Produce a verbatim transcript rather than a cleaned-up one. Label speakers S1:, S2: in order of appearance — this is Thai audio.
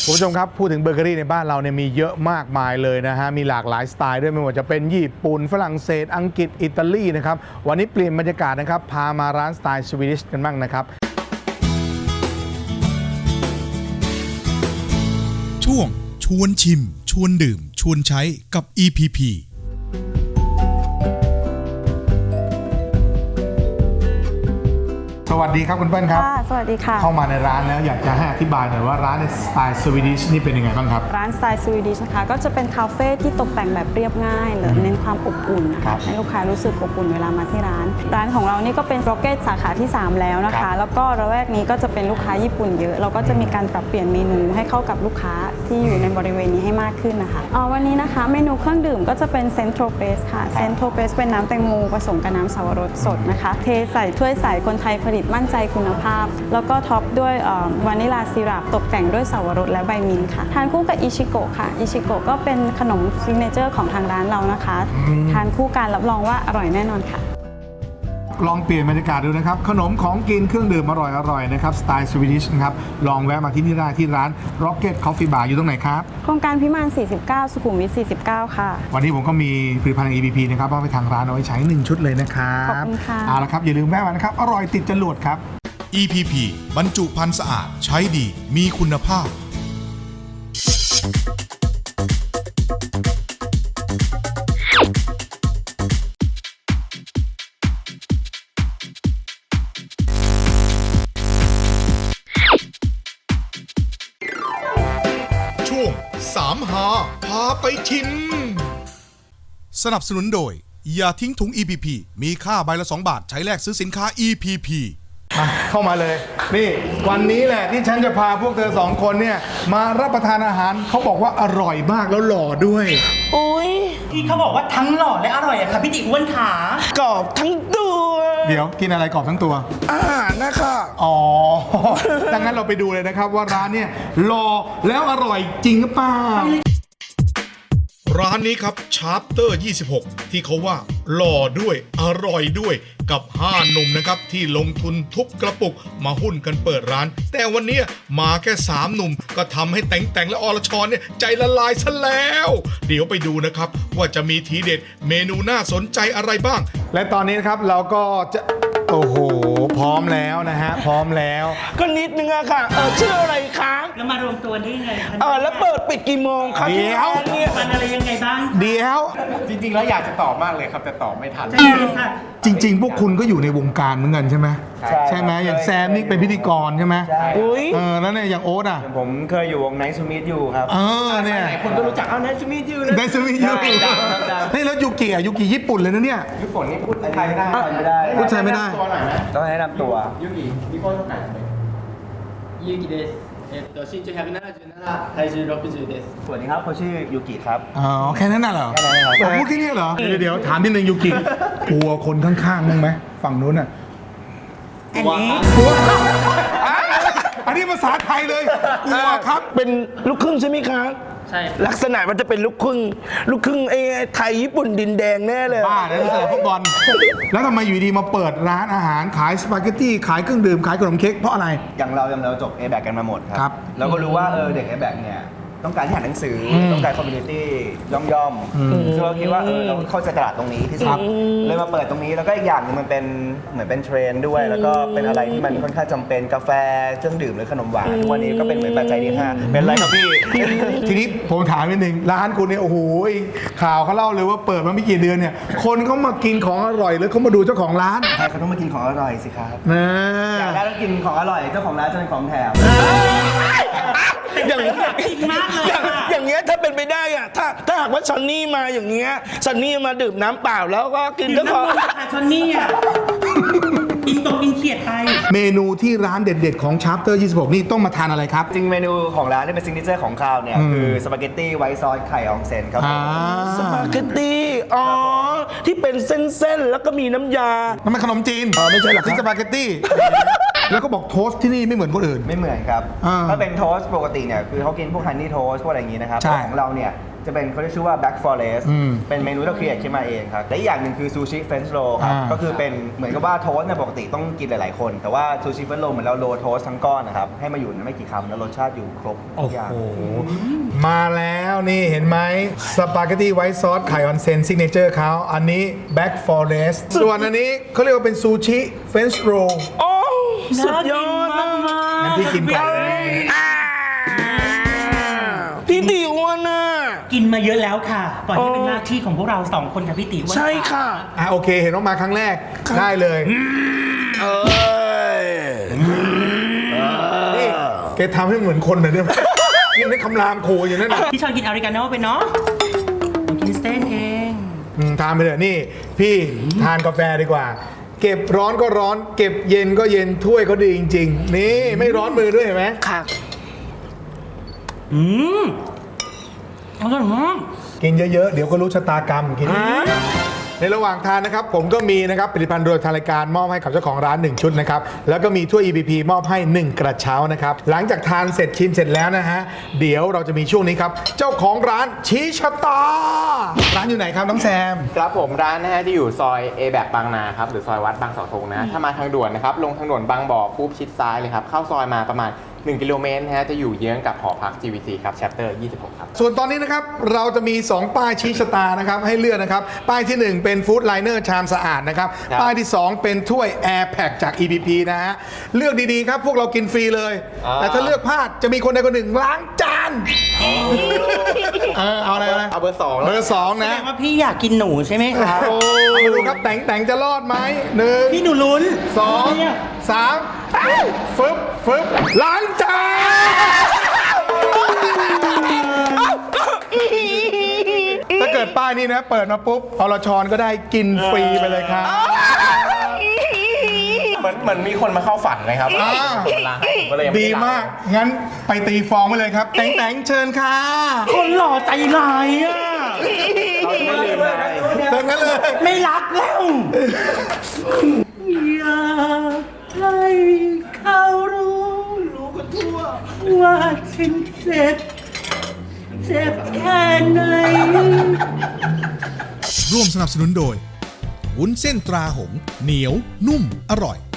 S1: คุณผู้ชมครับพูดถึงเบเกอรี่ในบ้านเราเนี่ยมีเยอะมากมายเลยนะฮะมีหลากหลายสไตล์ด้วยไม่ว่าจะเป็นญี่ปุ่นฝรั่งเศสอังกฤษอิตาลีนะครับวันนี้เปลี่ยนบรรยากาศนะครับพามาร้านสไตล์สวีดิชกันบ้างนะครับ
S2: ช่วงชวนชิมชวนดื่มชวนใช้กับ อี พี พี
S1: สวัสดีครับคุณเปิ้ลครับ
S3: ค่ะสวัสดีค่ะ
S1: เข้ามาในร้านแล้วอยากจะให้อธิบายหน่อยว่าร้านในสไตล์สวีดิชนี่เป็นยังไงบ้างครับ
S3: ร้านสไตล์สวีดิชนะคะก็จะเป็นคาเฟ่ที่ตกแต่งแบบเรียบง่ายเลยเน้นความอบอุ่นนะคะให้ลูกค้ารู้สึกอบอุ่นเวลามาที่ร้านร้านของเรานี่ก็เป็นร็อกเก็ตสาขาที่สามแล้วนะคะแล้วก็ระแวกนี้ก็จะเป็นลูกค้าญี่ปุ่นเยอะเราก็จะมีการปรับเปลี่ยนเมนูให้เข้ากับลูกค้าที่อยู่ในบริเวณนี้ให้มากขึ้นนะคะวันนี้นะคะเมนูเครื่องดื่มก็จะเป็นเซนโทรเปสค่ะเซนโทรเปสเป็นน้ำแตงโมผสมกับน้ำสับปะรดสดนะคะเทใส่ถ้วยใสคนไทยผลิตมั่นใจคุณภาพแล้วก็ท็อปด้วยวานิลาซีรัปตกแต่งด้วยสับปะรดและใบมิ้นท์ค่ะทานคู่กับอิชิโกะค่ะอิชิโกะก็เป็นขนมซิกเนเจอร์ของทางร้านเรานะคะทานคู่กันรับรองว่าอร่อยแน่นอนค่ะ
S1: ลองเปลี่ยนบรรยากาศดูนะครับขนมของกินเครื่องดื่มอร่อยๆนะครับสไตล์สวีดิชนะครับลองแวะมาที่นี่ได้ที่ร้าน Rocket Coffee Bar อยู่ตรงไหนครับ
S3: โครงการพิมานสี่สิบเก้าสุขุมวิทสี่สิบเก้าค่ะ
S1: วันนี้ผมก็มีผลิตภัณฑ์ อี พี พี นะครับมอบให้ทางร้านเอาไว้ใช้หนึ่งชุดเลยนะครับ
S3: ขอบคุณค่ะ
S1: เอาละครับอย่าลืมแวะมานะครับอร่อยติดจรวดครับ
S2: อี พี พี บรรจุภัณฑ์สะอาดใช้ดีมีคุณภาพช่วงสามหาพาไปชิมสนับสนุนโดยอย่าทิ้งถุง อี พี พี มีค่าใบละสองบาทใช้แลกซื้อสินค้า อี พี พี
S1: มาเข้ามาเลยนี่วันนี้แหละที่ฉันจะพาพวกเธอสองคนเนี่ยมารับประทานอาหารเขาบอกว่าอร่อยมากแล้วหล่อด้วย
S4: อุ้ยที่เขาบอกว่าทั้งหล่อและอร่อยอะค่ะพี่ติอ้วนขากรอบทั้งตัว
S1: เดี๋ยวกินอะไรกรอบทั้งตัว
S4: อาหารนะคะ
S1: อ๋อ ดังนั้นเราไปดูเลยนะครับว่าร้านเนี่ยหล่อแล้วอร่อยจริงหรือเปล่า
S2: ร้านนี้ครับชาร์ปเตอร์ยี่สิบหกที่เขาว่าหล่อด้วยอร่อยด้วยกับห้าหนุ่มนะครับที่ลงทุนทุบกระปุกมาหุ้นกันเปิดร้านแต่วันนี้มาแค่สามหนุ่มก็ทำให้แต่งแต่งและอรชรเนี่ยใจละลายซะแล้วเดี๋ยวไปดูนะครับว่าจะมีทีเด็ดเมนูน่าสนใจอะไรบ้าง
S1: และตอนนี้นะครับเราก็จะโอ้โหพร้อมแล้วนะฮะพร้อมแล้ว
S4: ก็นิดนึงอะค่ะเออชื่ออะไรคะ
S5: แล้วมารวมตัวได้ยังไงคะ
S4: เออแล้วเปิดปิดกี่โมงคะ
S1: เดี๋ยว
S4: เนี่ย
S5: มันอะไรยังไงบ้าง
S1: เดี๋ยว
S6: จริงๆแล้วอยากจะตอบมากเลยครับแต่ตอบไม่ทัน
S5: ใช่ค่ะ
S1: จริงๆพวกคุณก็อยู่ในวงการเหมือนกันใช่ไหมใช่ไหมอย่างแซมนี่เป็นพิธีกรใช่ไหม
S4: อุ้ย
S1: เออแล้วเนี่ยอย่างโอ๊ตอ่ะ
S6: ผมเคยอยู่วงไนท์ซูมิทอยู่ครับ
S1: เออเนี่ย
S6: หลายคนก็รู้จักเอาไนท์ซูมิทอยู่
S1: ไนท์ซูมิทอยู่นี่แล้วยูกิอ่ะยูกิญี่ปุ่นเลยนะเนี่ย
S6: ญี่ปุ่นนี่พูดไทยไม่ได้ไม่ได้
S1: พูดไทยไม่ได้
S6: ตัวหน่อยไหมต้องแนะนำตัว
S7: ยูกิมีคนเท่าไหร่ยูกิですえっと身長ひゃくななじゅうなな体重ろくじゅうです
S6: สวัสดีครับเขาชื่อยูกิครับ
S1: อ๋อแค่นั้นน่ะเหรอ
S6: แค่นั้นครับ
S1: พูดแค่นี้เหรอเดี๋ยวถามนิดนึงยูกิกลัวคนข้างๆมั้งไหมฝั่งนู้นอ่ะ
S5: อันนี้
S1: อันนี้ภาษาไทยเลยกลัวครับ
S4: เป็นลูกครึ่งใช่ไหมคะ
S7: ใช่
S4: ลักษณะมันจะเป็นลูกครึ่งลูกครึ่งไอ้ไทยญี่ปุ่นดินแดงแน่เลย
S1: บ้าแล้วนี่สนามฟุตบอลแล้วทำไมอยู่ดีมาเปิดร้านอาหารขายสปาเกตตี้ขายเครื่องดื่มขายขนมเค้กเพราะอะไร
S6: อย่างเราอย่างเราจบ เอ แบค กันมาหมดครับเราก็รู้ว่าเออเด็ก เอ แบค เนี่ยต้องการที่อ่านหนังสือต้องการคอมมูนิตี้ย่อมๆซึ่งเราคิดว่าเออเราเข้าใจตลาดตรงนี้ที่สุดเลยมาเปิดตรงนี้แล้วก็อีกอย่างนึงมันเป็นเหมือนเป็นเทรนด์ด้วยแล้วก็เป็นอะไรที่มันค่อนข้างจำเป็นกาแฟเครื่องดื่มหรือขนมหวานทุกวันนี้ก็เป็นเหมือนปัจจัยที่ห้าเป็นไรครับพี่
S1: ทีนี้ผมถามนิดนึงร้านคุณเนี่ยโอ้โหข่าวเขาเล่าเลยว่าเปิดมาไม่กี่เดือนเนี่ยคนเขามากินของอร่อยหรือเขามาดูเจ้าของร้าน
S6: ใช่เขาต้องมากินของอร่อยสิครับ
S1: นะ
S6: อยากได้ต้องกินของอร่อยเจ้าของร้านจะเป็นของแถม
S4: อย่างนี้
S5: จริงมากเลย
S4: อย่างเงี้ยถ้าเป็นไปได้อะถ้าถ้าหากว่าซันนี่มาอย่างเงี้ยซันนี่มาดื่มน้ำเปล่าแล้วก็กินเจ้าของ
S5: ซันนี่อ่ะกินตรงกินเขียดไป
S1: เมนูที่ร้านเด็ดๆของชาร์ปเตอร์ยี่สิบหกนี่ต้องมาทานอะไรครับ
S6: จริงเมนูของร้านที่เป็นซิกเนเจอร์ของข้าวเนี่ยคือสปาเกตตี้ไวท์ซอสไข่อองเซนครับ
S4: สปาเกตตี้อ๋อที่เป็นเส้นๆแล้วก็มีน้ำยา
S1: มันเป็นขนมจีน
S4: อ๋อไม่ใช่หรอ
S1: ที่สปาเกตตี้แล้วก็บอกโทสต์ที่นี่ไม่เหมือนคนอื่น
S6: ไม่เหมือนครับถ้าเป็นโทสต์ปกติเนี่ยคือเขากินพวกฮันนี่โทสต์พวกอะไรอย่างงี้นะครับของเราเนี่ยจะเป็นเขาเรียกชื่อว่า Black Forest
S1: อืม
S6: เป็นเมนูที่เราครีเอทขึ้นมาเองครับและอีกอย่างหนึ่งคือซูชิเฟรนช์โรครับ
S1: อ่า
S6: ก็คือเป็นเหมือนกับว่าโทสต์เนี่ยปกติต้องกินหลาย ๆ คน แต่ว่าซูชิเฟรนช์โรเหมือนเราโรลโทสต์ทั้งก้อนนะครับให้มาอยู่ในไม่กี่คำแล้วรสชาติอยู่ครบทุ
S1: โอ้
S6: กอย่าง
S1: โห มาแล้วนี่เห็นไหมสปาเกตตี้ไวท์ซอสไข่ออนเซนซิกเนเจอร์เขาอันนี้ Black Forest ส่วนอันนี้เขาเรียกว่าเป็นซูชิเฟรนช์โร
S4: โอ้สุดยอดนะ
S1: งั้นพี่กินก่อนเลย
S4: พี่ติอ้วนน่ะ
S5: กินมาเยอะแล้วค่ะ ปล่อยให้เป็นหน้าที่ของพวกเราสองคนกับพี่ติ๋ว
S4: ใช่ค่ะ
S1: อ่ะโอเค เห็นว่ามาครั้งแรกได้เลย
S4: เอ้ย
S1: นี่แกทำให้เหมือนคนหน่อยได้ไหมยังได้คำรามขู่อยู่นั่นน่ะ
S5: พี่ชอนกินอเมริกาโน่ไปเนาะหนูกินสเต้นเอง
S1: อืมทานไปเถอะนี่ พี่ทานกาแฟดีกว่า เก็บร้อนก็ร้อน เก็บเย็นก็เย็นถ้วยก็ดีจริง ๆ นี่ไม่ร้อนมือด้วยเห็นไหม
S4: ค่ะ
S5: อืมอร่อยมาก
S1: กินเยอะๆ เดี๋ยวก็รู้ชะตากรรมกินในระหว่างทานนะครับ ผมก็มีนะครับผลิตภัณฑ์โดยทางรายการมอบให้กับเจ้าของร้านหนึ่งชุดนะครับ แล้วก็มีถ้วย อี พี พี มอบให้หนึ่งกระเช้านะครับ หลังจากทานเสร็จชิมเสร็จแล้วนะฮะ เดี๋ยวเราจะมีช่วงนี้ครับ เจ้าของร้านชี้ชะตา ร้านอยู่ไหนครับน้องแซม
S8: ครับผมร้านนะฮะที่อยู่ซอยเอแบกบางนาครับหรือซอยวัดบางเสาธงนะถ้ามาทางด่วนนะครับลงทางด่วนบางบ่อปุ๊บชิดซ้ายเลยครับเข้าซอยมาประมาณหนึ่งกิโลเมตรนะฮะจะอยู่เยื้องกับหอพัก จี วี ซี ครับ Chapter ยี่สิบหก ครับ
S1: ส่วนตอนนี้นะครับเราจะมี สอง ป้ายชี้ชะตานะครับให้เลือกนะครับ ป้ายที่ หนึ่ง เป็นฟู้ดไลเนอร์ชามสะอาดนะครับ
S8: ครับ
S1: ป้ายที่ สอง เป็นถ้วย Air Pack จาก อี พี พี นะฮะเลือกดีๆครับ พวกเรากินฟรีเลย
S8: อ่า
S1: แต่ถ้าเลือกพลาดจะมีคนใดคนหนึ่งล้างจานเออเอาอะไรอะไร
S8: เอาเบอร์สอง
S1: เบอร์สอง
S5: แส
S1: นะ
S5: ดงว่าพี่อยากกินหนูใช่ไหมคะ
S1: เอามาดูครับแต่งแต่งจะรอดไหมหนึ่ง
S5: พี่หนูลุ้น
S1: สอง
S5: เนี่ย
S1: สามฟึบฟึบล้างจานถ้าเกิดป้ายนี้นะ เปิดมาปุ๊บอรชรก็ได้กินฟรีไปเลยครับ
S8: เหมือนเหมือนมีคนมาเข้าฝันเลยครับ
S1: อ่า
S8: ร้านให้ผมก็เลยยังไ
S1: ดีมาก งั้นไปตีฟองไปเลยครับ แต่งแต่งเชิญค่ะ
S5: คนหล่อใจร้ายอ่ะ
S8: เราจะไม่ลืมเลย
S1: เติมกันเลย
S5: ไม่รักแล้ว อยากให้เขารู้รู้กันทั่วว่าฉันเจ็บ เจ็บแค่ไหน
S2: ร่วมสนับสนุนโดยวุ้นเส้นตราหงส์เหนียวนุ่มอร่อย